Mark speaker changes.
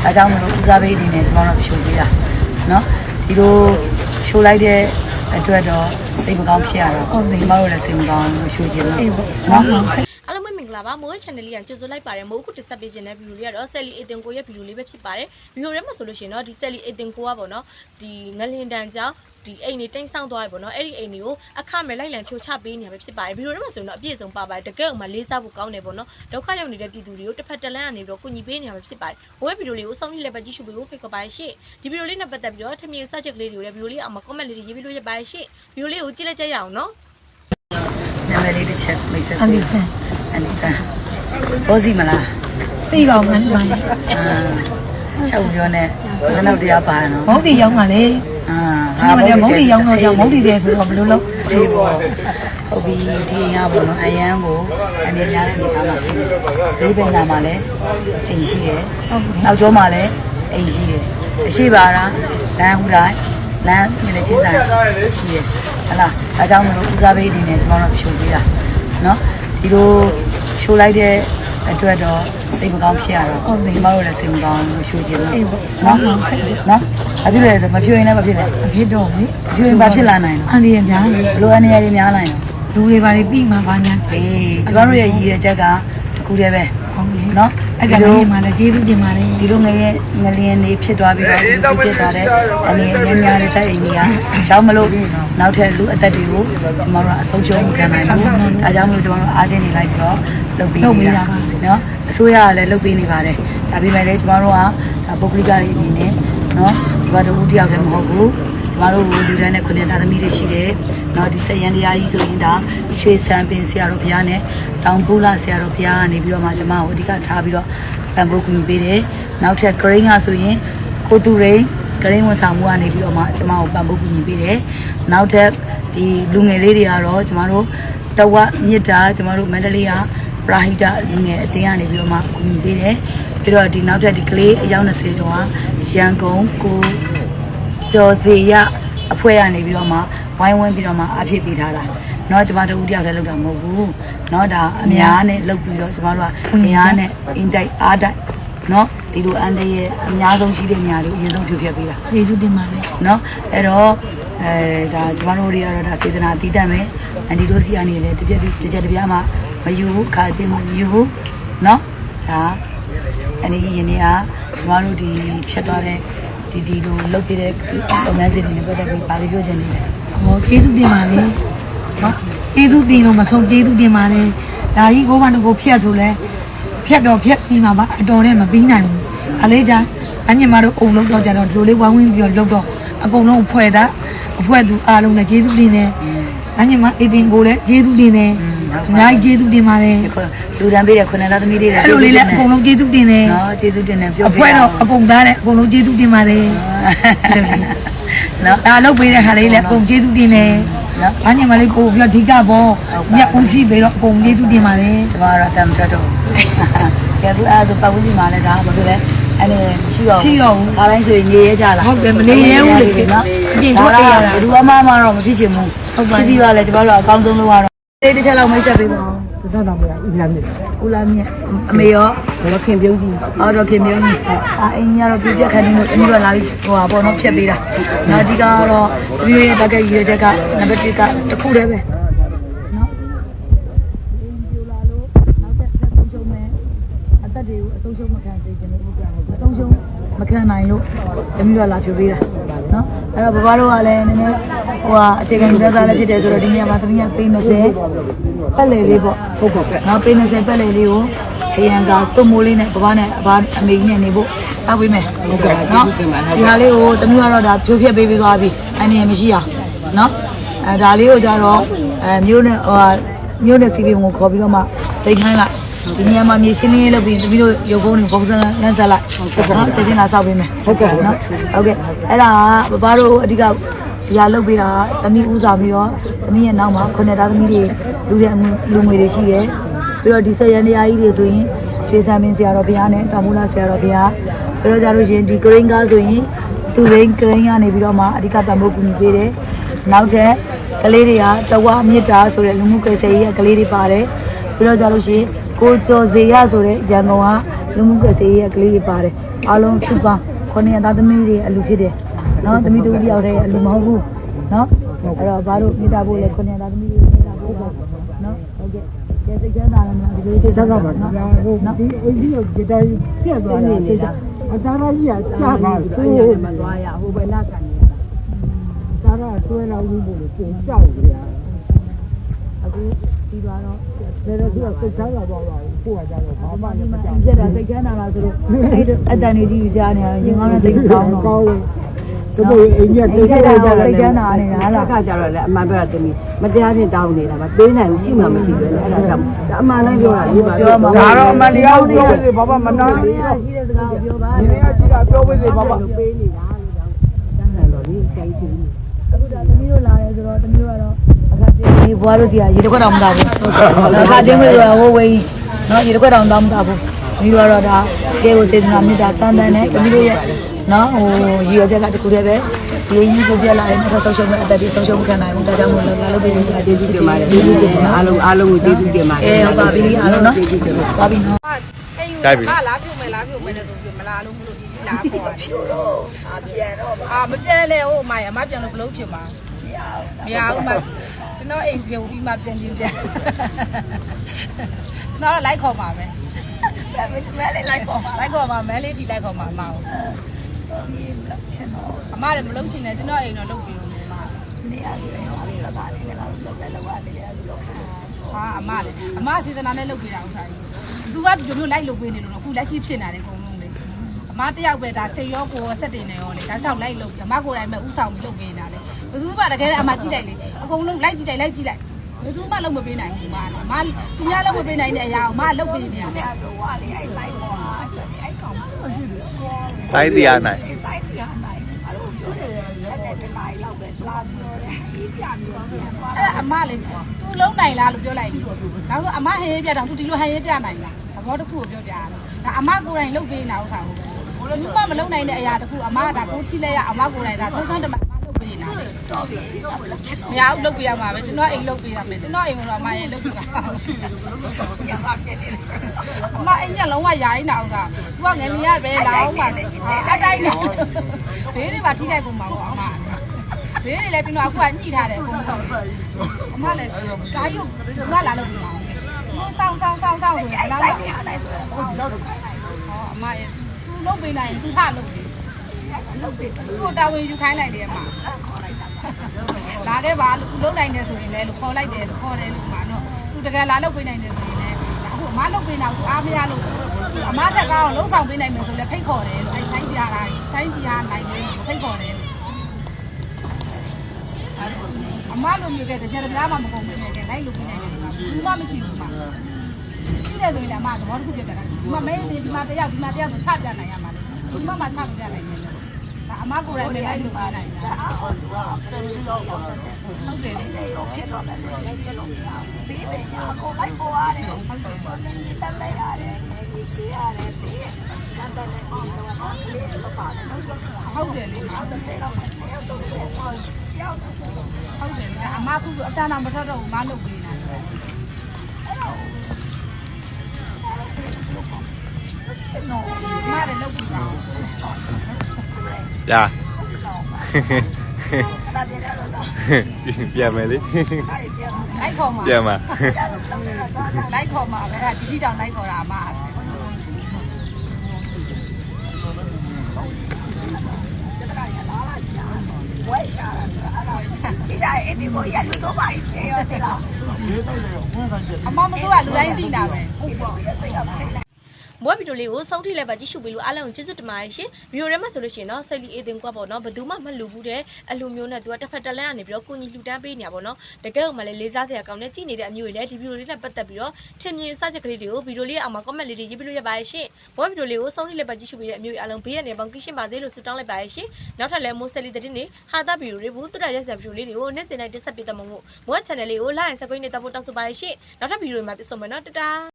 Speaker 1: ဒါကြောင့်မလို့ဦးစားပေးအနေနဲ့ကျွန်တော်တို့ဖြိုပေးတာနော်ဒီလိုဖြိုလိုက်တဲ့အတွက်တော့စိတ်မကောင်းဖြစ်ရတော့ကျွန်တော်တို့လည်းစိတ်မကောင်းဖြိုခြင်းလို့နော်
Speaker 2: အားလုံးမင်္ဂလာပါမိုး channel လေးကကြိုဆိုလိုက်ပါတယ်မိုးခုတက်ဆက်ပေးခြင်းတဲ့ဗီဒီယိုလေးကတော့ဆယ်လီအေတင်ကိုရဲ့ဗီဒီယိုလေးပဲဖြစ်ပါတယ်ဗီဒီယိုထဲမှာဆိုလို့ရှိရင်တော့ဒီဆယ်လီအေတင်ကိုကပေါ့နော်ဒီငလင်တန်ကြောင့်ဒီအိမ်နေတိမ့်ဆောင်သွားပြီပေါ့နော်အဲ့ဒီအိမ်တွေကိုအခမဲ့လိုက်လံဖြိုချပေးနေရပဲဖြစ်ပါတယ်ဗီဒီယိုထဲမှာဆိုရင်တော့အပြည့်စုံပါပါတယ်တကယ်ကိုမှလေးစားဖို့ကောင်းတယ်ပေါ့နော်ဒုက္ခရောက်နေတဲ့ပြည်သူတွေကိုတစ်ဖက်တစ်လမ်းကနေပြီးတော့ကူညီပေးနေရပဲဖြစ်ပါတယ်ဝက်ဗီဒီယိုလေးကိုအဆုံးထိလည်းပဲကြည့်ရှုပေးဖို့ဖိတ်ခေါ်ပါတယ်ရှင့်ဒီဗီဒီယိုလေးနဲ့ပတ်သက်ပြီးတော့ထမင်းစချက်ကလေးတွေကိုလည်းဗီဒီယိုလေးအောက်မှာ comment လေးတွေရေးပြီးလို့ရပါတယ်ရှင့်ဗီဒီယိုလေးကိုကြည့်လိုက်ကြရအောင်နော်
Speaker 1: နာမည်လေးတစ်ချက်မိတ်ဆက်အန်ဒီဆန်ဘောစီမလား
Speaker 3: စီပါမှန်းပါ
Speaker 1: ရှောက်ပြောနေဘယ်နောက်တရားပါနော်
Speaker 3: မုတ်တီရောက်ပါလေမုတ်တီရောက်တော့ကြောင့်မုတ်တီတယ်ဆိုတော့ဘယ်လိုလုပ်
Speaker 1: စီပေါ့ဟုတ်ပြီဒီရပေါ့နော်အရန်ကိုအနေများတဲ့အနေထားမှာရှိတယ်လေးပင်နာမှာလည်းအိမ်ရှိတယ်နောက်ကျောမှာလည်းအိမ်ရှိတယ်အရှိပါလားလမ်းဟူတိုင်းလမ်းမြင်တဲ့ချင်းဆိုင်ရှိတယ်ဟလားအဲကြောင့်မလို့ဦးစားပေးအနေနဲ့ကျွန်တော်တို့ဖြိုပေးတာနော်ဒီလိုဖြိုလိုက်တဲ့အတွက်တော့စိတ်မကောင်းဖြစ်ရတော့ကျွန်တော်တို့လည်းစိတ်မကောင်းဖြိုခြင်းလို့နော်နော်အဖြစ်လဲဆိုမဖြိုရင်လည်းမဖြစ်နဲ့
Speaker 3: အဖြစ်တော့လေ
Speaker 1: ဖြိုရင်ဘာဖြစ်လာနိုင်လဲ
Speaker 3: အန်ဒီရများလေ
Speaker 1: လိုအနေရည်များနိုင်
Speaker 3: တော့လူတွေပါလေပြီးမှဘာညာ
Speaker 1: အေးကျွန်တော်တို့ရဲ့ရည်ရွယ်ချက်ကတစ်ခုတည်းပဲ
Speaker 3: ဟုတ်ပြီ
Speaker 1: နော်
Speaker 3: အဲ့ဒါလေးမှလည်းကျေးဇူးတင်ပါတယ်
Speaker 1: ဒီလိုငလျင်နေဖြစ်သွားပြီးတော့ဒီလိုဖြစ်သွားတဲ့အနေအများများတဲ့တိုက်အိမ်ကြီးကကြောင်းမလို့နောက်ထပ်လူအသက်တွေကိုကျွန်တော်တို့အဆုံးရှုံးမခံနိုင်ဘူးအဲကြောင့်မလို့ကျွန်တော်တို့အားချင်းနေလိုက်ပြီးတော့လုပ်ပေးနေတာနော်အစိုးရကလည်းလုပ်ပေးနေပါတယ်ဒါပေမဲ့လည်းကျွန်တော်တို့ကပုဂ္ဂလိကတွေအနေနဲ့နော်ကျွန်တော်တို့ဦးတယောက်တည်းမဟုတ်ဘူးကျမတို့လူတန်းနဲ့ခုနှစ်သားသမီးတွေရှိတယ်။နောက်ဒီစက်ရန်တရားကြီးဆိုရင်ဒါရွှေစံပင်ဆရာတော်ဘုရားနဲ့တောင်ပိုးလာဆရာတော်ဘုရားကနေပြီးတော့မှကျမကိုအဓိကထားပြီးတော့ပံ့ပိုးကူညီပေးတယ်။နောက်ထပ်ဂရိန်းကဆိုရင်ကိုသူရိန်းဂရိန်းဝန်ဆောင်မှုကနေပြီးတော့မှကျမကိုပံ့ပိုးကူညီပေးတယ်။နောက်ထပ်ဒီလူငယ်လေးတွေကတော့ကျမတို့တဝက်မြစ်တာကျမတို့မန္တလေးကပရာဟိတလူငယ်အသင်းကနေပြီးတော့မှကူညီပေးတယ်။ပြီးတော့ဒီနောက်ထပ်ဒီကလေးအယောက်20ကျော်ကရန်ကုန်ကိုကျော်စီရအဖွဲ့ရနေပြီးတော့မှဝိုင်းဝန်းပြီးတော့မှအဖြစ်ပေးထားတာเนาะကျမတို့ဦးတယောက်တည်းလုပ်တာမဟုတ်ဘူးเนาะဒါအများနဲ့လုပ်ပြီးတော့ကျမတို့ကအများနဲ့အင်တိုက်အားတိုက်เนาะဒီလိုအန်တဲ့ရဲ့အများဆုံးရှိတဲ့နေရာတွေကိုအရင်ဆုံးဖြိုဖျက်ပေးတာ
Speaker 3: ကျေးဇူးတင်ပါတယ်
Speaker 1: เนาะအဲ့တော့ဒါကျမတို့တွေကတော့ဒါစေတနာအတီးတတ်မယ်အန်ဒီတို့စီကနေလည်းတစ်ချက်တစ်ပြားမှမယူဘူးခါချင်းမယူဘူးเนาะဒါအနေကြီးရင်တွေကကျမတို့ဒီဖြတ်သွားတဲ့ဒီလိုလုတ်ပြတဲ့လုပ်ငန်းစဉ်တွေနဲ့ပတ်သက်ပြီးပါလိပြောချင်နေတယ်
Speaker 3: ။ဟောကျေးဇူးတင်ပါတယ်။နော်ကျေးဇူးတင်လို့မဆုံးကျေးဇူးတင်ပါတယ်။ဒါကြီးကိုဘာလို့ကိုဖြတ်ဆိုလဲဖြတ်တော့ဖြတ်ပြီးမှပါအတော်နဲ့မပြီးနိုင်ဘူး။အလေးကြအညီမတို့အုံလုံးတော့ကြတော့ဒီလိုလေးဝိုင်းဝန်းပြီးတော့လုတ်တော့အကုန်လုံးအဖွဲ့သူအားလုံးနဲ့ကျေးဇူးတင်တယ်။အညီမအေတင်ကိုလည်းကျေးဇူးတင်တယ်။အများကြီးကျေးဇူးတင်ပါတယ်
Speaker 1: လူတန်းပေးတဲ့ခုနှစ်သားသမီးတွေလည်း
Speaker 3: အဲ့လိုလေးလည်းအကုန်လုံးကျေးဇူးတင်တယ်
Speaker 1: နော်ကျေးဇူးတင်တယ်ပြောပြ
Speaker 3: အဖွဲ့တော့အကုန်သားတယ်အကုန်လုံးကျေးဇူးတင်ပါတယ်နော်ဒါလုပ်ပေးတဲ့ခါလေးလည်းအကုန်ကျေးဇူးတင်တယ်နော်အညီမလေးပို့ပြီးတော့အဓိကပေါ့မြတ်ဦးစီးပြီးတော့အကုန်ကျေးဇူးတင်ပါတယ်
Speaker 1: ကျမကတော့တမ်းတက်တော့ကဲသူအဲ့ဆိုပတ်ဝန်းကျင်မှာလည်းဒါဘာဖြစ်လဲအဲ့ဒီရှိရောဘူးခါတိုင်းဆိုရင်နေရကြလား
Speaker 3: ဟုတ်တယ်မနေရဘူးလေနော်
Speaker 1: အပြင်ထွက်ရတာဘယ်သူမှမတော့မဖြစ်ချင်ဘူး
Speaker 3: ဟုတ်ပါ
Speaker 1: ဘူးပြီးတော့လည်းကျမတို့အကောင်းဆုံးလုပ်ရတော့လေးတစ်ချက်လောက်မိတ်ဆက်ပေးပါဦး
Speaker 3: တော်တော်များဦးလာမြင့်
Speaker 1: အမေရော
Speaker 3: တော့ခင်ပြုံးကြီး
Speaker 1: တော့ခင်ပြုံးကြီးအိမ်ကြီးကတော့ပြပြခန်းနေလို့အမျိုးလာပြီးဟိုပါပေါ့နော်ဖြတ်ပေးတာနောက်ဒီကတော့ဒီရဲ့ဘက်ကရွေးချက်ကနံပါတ်1ကတစ်ခုတည်းပဲနော်ပြိုလာလို့နောက်တစ်ဆက်ဆုံးရှုံးမယ်အသက်တွေကိုအဆုံးရှုံးမခံစေချင်လို့ဟုတ်ကြတယ်အဆုံးရှုံးမခံနိုင်လို့အမျိုးလာဖြိုပေးတာနော်အဲ့တော့ဘဘတို့ကလည်းနည်းနည်းဟိုဟာအခြေခံလူသားလည်းဖြစ်တယ်ဆိုတော့ဒီနေရာမှာသမီးကပေး20ပတ်လေလေးပေါ့
Speaker 3: ဟုတ်ပါပဲ
Speaker 1: နောက်ပေး20ပတ်လေလေးကိုခရံကသွတ်မိုးလေးနဲ့ဘဘနဲ့အမေကြီးနဲ့နေဖို့စောက်ပေးမယ်
Speaker 3: ဟုတ်ကဲ့နော်
Speaker 1: ဒီဟာလေးကိုသမီးကတော့ဒါဖြိုးဖြက်ပေးပြီးသွားပြီအနေနဲ့မရှိအောင်နော်ဒါလေးကိုကြတော့မျိုးနဲ့စီးပြီးကိုခေါ်ပြီးတော့မှတိတ်ခိုင်းလိုက်ဒီနေရာမှာမြေရှင်းလေးလုပ်ပြီးသမီးတို့ရုပ်ဖုံးတွေပုံစံလမ်းဆက်လိုက်နော်ချက်ချင်းလာစောက်ပေးမယ်
Speaker 3: ဟုတ်ကဲ့နော်
Speaker 1: ဟုတ်ကဲ့အဲ့ဒါကဘဘတို့အဓိကဒီဟာလုပ်ပေးတာသမီးဥစားပြီးတော့သမီးရဲ့နောက်မှာခုနှစ်သားသမီးတွေလူငွေတွေရှိတယ်ပြီးတော့ဒီဆက်ရန်တရားကြီးတွေဆိုရင်ရွှေစံပင်ဆရာတော်ဘုရားနဲ့တောင်မူလာဆရာတော်ဘုရားပြီးတော့ကြလို့ရှိရင်ဒီဂရိန်းကားဆိုရင်သူရိန်းဂရိန်းကနေပြီးတော့မှအဓိကပံ့ပိုးကူညီပေးတယ်နောက်ထပ်ကလေးတွေကတဝါမြစ်တာဆိုတဲ့လူမှုကွယ်ဆယ်ရေးကကလေးတွေပါတယ်ပြီးတော့ကြလို့ရှိရင်ကိုကျော်စေရဆိုတဲ့ရန်ကုန်ကလူမှုကွယ်စေးရဲ့ကလေးတွေပါတယ်အားလုံးစုပေါင်း900သားသမီးတွေအလူဖြစ်တယ်နော်သမီးတို့တယောက်တည်းအလူမဟုတ်ဘူးနော်အဲ့တော့ဘာလို့မိသားဖို့လဲ900သားသမီးတွေမိသားဖို့ပေါ့နော်ဟုတ်ကဲ့ကျေးဇူးတင်ပါတယ်ဒီလိုတိတ်တော့ပါနော်နော်ဒီအိမ်ကြီးကိုကြည့်တိုင်းပြက်သွားတာစိတ်အသားကြီးကကြာပါဆိုးမသွားရဟိုဘယ်လာကန်နေတာဒါကတွဲလောက်ဘူးလို့ပုံကြောက်ကြရအခုဒီတော့ဒါတော့သူကစိတ်ချမ်းသာသွားပါဘူးကိုကကြတော့ဘာမှမကြောက်ပြက်တာစိတ်ချမ်းသာလားဆိုတော့အဲ့အတန်ကြီးကြီးကြားနေရရင်ကောင်းတဲ့တိတ်ကောင်းတော့ဒီလိုအိမ်ကြီးတိတ်ကြတော့စိတ်ချမ်းသာနေတာဟာလားကကြတော့လေအမှန်ပြောတာသမီးမတရားချင်းတောင်းနေတာပါပေးနိုင်ဘူးရှိမှမရှိပဲအဲ့ဒါကြောင့်အမှန်တိုင်းပြောတာလေးပါပြောမှာဒါတော့အမှန်တရားကိုပြောလို့ဘာမှမနာဘူးရှိတဲ့စကားကိုပြောပါဒီနေ့ကရှိတာပြောပေးစေဘာမှပေးနေတာလို့ကြောင့်တန်းတယ်တော့ဒီကြိုက်သူအခုဒါသမီးတို့လာတယ်ဆိုတော့သမီးတို့ကတော့အခါချင်းဒီဘွားတို့စီကရေတစ်ခွက်တောင်မတောက်ဘူးအခါချင်းကိုဟိုဝေးနော်ရေတစ်ခွက်တောင်တောင်မတောက်ဘူးသမီးတို့ကတော့ဒါကဲကိုစေတနာမေတ္တာတန်တန်နဲ့သမီးတို့ရဲ့နော်ဟိုရေရချက်ကတခုတည်းပဲဒီကြီးကိုပြက်လာရင်တော့ဆုံးရှုံးမဲ့အသက်တွေဆုံးရှုံးမခံနိုင်ဘူးဒါကြောင့်မို့လို့လာလို့ပြီးနေတာကျေးဇူးတင်ပါတယ်ကျေးဇူးတင်ပါတယ်အားလုံးကိုကျေးဇူးတင်ပါတယ်ဟုတ်ပါပြီအားလုံးနော်ပါပြီနော်
Speaker 4: တိုက်ပြီ
Speaker 5: လာပြုတ်မယ်ဆိုပြီးမလာလို့မလို့ဒီကြီးလာခေါ်တယ်ပြန်တော့မပြန်နဲ့ဟိုအမရအမပြန်လို့ဘလို့ဖြစ်မှာမရဘူးမကျွန်တော်အိမ်ပြုတ်ပြီးမှပြန်ချင်းပြန်ကျွန်တော်လိုက်ခေါ်ပါမယ်မဲလေးလိုက်ခေါ်ပါမဲလေးထိလိုက်ခေါ်ပါအမအောင်အမလည်းမလုပ်ချင်နဲ့ကျွန်တော်အိမ်တော့လုပ်ပြီးလို့နေရဆိုရင်တော့လည်းပါနေတယ်လောက်ရတယ်လို့ဟာအမစေတနာနဲ့လုပ်ပြီးတာဥစ္စာကြီးသူကဒီလိုလိုက်လုပ်ပေးနေလို့အခုလက်ရှိဖြစ်နေတယ်အကုန်လုံးလေအမတယောက်ပဲဒါစိတ်ရောကိုယ်ဆက်တင်နေရောလေဒါလျှောက်လိုက်လုပ်အမကိုယ်တိုင်ပဲဥဆောင်ပြီးလုပ်ပေးနေတာလေဘယ်သူမှတကယ်အမကြည့်လိုက်လေအကုန်လုံးလိုက်ကြည့်လိုက်ဘယ်သူမှလုပ်မပေးနိုင်ဘူးအမသူများလုပ်မပေးနိုင်တဲ့အရာကိုအမလုပ်ပေးနေရတယ်
Speaker 4: စိုင်းတရားနိုင်
Speaker 5: အဲ့အမလေးသူလုံးနိုင်လားလို့ပြောလိုက်တယ်နောက်ဆိုအမဟေးပြတော့သူဒီလိုဟေးပြနိုင်လားသဘောတစ်ခုကိုပြောပြရတယ်ဒါအမကိုယ်တိုင်လုပ်ပေးနေတာဥစ္စာကိုဘူးမှမလုပ်နိုင်တဲ့အရာတစ်ခုအမကဒါကိုချိလိုက်ရအမကိုယ်တိုင်ဒါသုံးသန်းတမအမလုပ်ပေးနေတာလေတော်ပြီမရဘူးလုပ်ပေးရမှာပဲကျွန်တော်အိမ်လုပ်ပေးရမယ်ကျွန်တော်အိမ်ကတော့အမရဲ့လုပ်ပေးတာအမအိမ်ကလုံးဝယာရင်းတာဥစ္စာသူကငယ်လေးရပဲလာအောင်ပါအတိုင်းနဲ့ဘေးတွေပါထိခိုက်ကုန်မှာပေါ့အမဘေးတွေလည်းကျွန်တော်အခုကညှိထားတယ်အကုန်လုံးအမလည်းဓာတ်ရုပ်ကလာလုပ်ပြီးပါအောင်သူစောင်းဆိုရင်အလားလားအမရဲ့သူလုပ်ပေးနိုင်သူထလုပ်ပေးသူ့တာဝန်ယူခိုင်းလိုက်တယ်အမလာခဲ့ပါသူလုပ်နိုင်တယ်ဆိုရင်လည်းခေါ်လိုက်တယ်ခေါ်တယ်လို့မှာနော်သူတကယ်လာလုပ်ပေးနိုင်တယ်ဆိုရင်လည်းအခုအမလုပ်ပေးတော့သူအားမရလို့အမတက်ကောင်းလုံးဆောင်ပေးနိုင်မယ်ဆိုလည်းဖိတ်ခေါ်တယ်လို့အဲတိုင်းပြတာတိုင်းပြနိုင်တယ်ဖိတ်ခေါ်တယ်အမလိုမျိုးကတကြတဲ့များမှမကုန်ဘူးလေလိုက်လို့ပြနေတယ်ဆိုတာဘူးမှမရှိဘူးမှာရှိတယ်ဆိုရင်လည်းအမသဘောတစ်ခုပြတ်တယ်ဒီမှာမဲနေဒီမှာတယောက်ဆိုချပြနိုင်ရမှာလေဒီမှာမှချပြနိုင်တယ်ဒါအမကိုယ်တိုင်ပဲလိုက်လို့ပြနိုင်တာဟုတ်တယ်လေရောဖြစ်တော့မယ်ဆိုတော့လည်းပြလို့မရဘူးဘေးပဲညာကိုလိုက်ပေါ်ရတယ်ဟုတ်တယ်ဒီတက်လိုက်ရတယ်ရှိရတယ်ဘေးကန်တယ်လည်းအောင်တော့ကလေးတွေပါတယ်ဟုတ်တယ်လေ30လောက်ပဲတယောက်ဆုံးတယ်ဟုတ်တယ်လေအမကအတန်းတော့မထွက်တော့ဘူးမလုပ်ပေးနိုင်ဘူးမလည်းလုပ်ပြီးပါ
Speaker 4: ရာပြန်မယ်လေ
Speaker 5: လိုက်ခေါ်မှာ
Speaker 4: ပြန်မှာ
Speaker 5: လိုက်ခေါ်မှာပဲဒီကြီးကြောင်လိုက်ခေါ်တာအမဝဲရှာတာဒီကြအဲ့ဒီကိုရလူတော့ပါဖြေရတယ်လားအမမဆိုးကလူတိုင်းသိတာပဲ
Speaker 2: မိုးဗီဒီယိုလေးကိုဆုံးထိလိုက်ပါကြည့်ရှုပေးလို့အားလုံးကျေးဇူးတင်ပါတယ်ရှင်ဗီဒီယိုထဲမှာဆိုလို့ရှိရင်တော့စိတ်လီအေးတင်ကွာပေါ့နော်ဘယ်သူမှမလူဘူးတဲ့အလူမျိုးနဲ့သူကတစ်ဖက်တစ်လမ်းကနေပြီးတော့ကိုကြီးလှူဒန်းပေးနေတာပေါ့နော်တကယ်ကိုမှလည်းလေးစားစရာကောင်းတဲ့ကြည့်နေတဲ့အမျိုးတွေလည်းဒီဗီဒီယိုလေးနဲ့ပတ်သက်ပြီးတော့ထင်မြင်စချက်ကလေးတွေကိုဗီဒီယိုလေးအောက်မှာ comment လေးတွေရေးပြလို့ရပါတယ်ရှင်မိုးဗီဒီယိုလေးကိုဆုံးထိလိုက်ပါကြည့်ရှုပေးတဲ့အမျိုးတွေအားလုံးဘေးရနေပေါင်းကင်းရှင်းပါစေလို့ဆုတောင်းလိုက်ပါတယ်ရှင်နောက်ထပ်လည်းမိုးဆက်လီသတင်းတွေဟာတာဗီဒီယိုတွေဘူးတူရရက်စရာဗီဒီယိုလေးတွေကိုနေ့စဉ်တိုင်းတင်ဆက်ပေးတတ်မှာမို့မိုး channel လေးကို like and subscribe နဲ့တပ်ဖို့တောင်းဆိုပါတယ်ရှင်နောက်ထပ်ဗီဒီယိုတွေမှာပြန်ဆုံမယ်နော်တတာ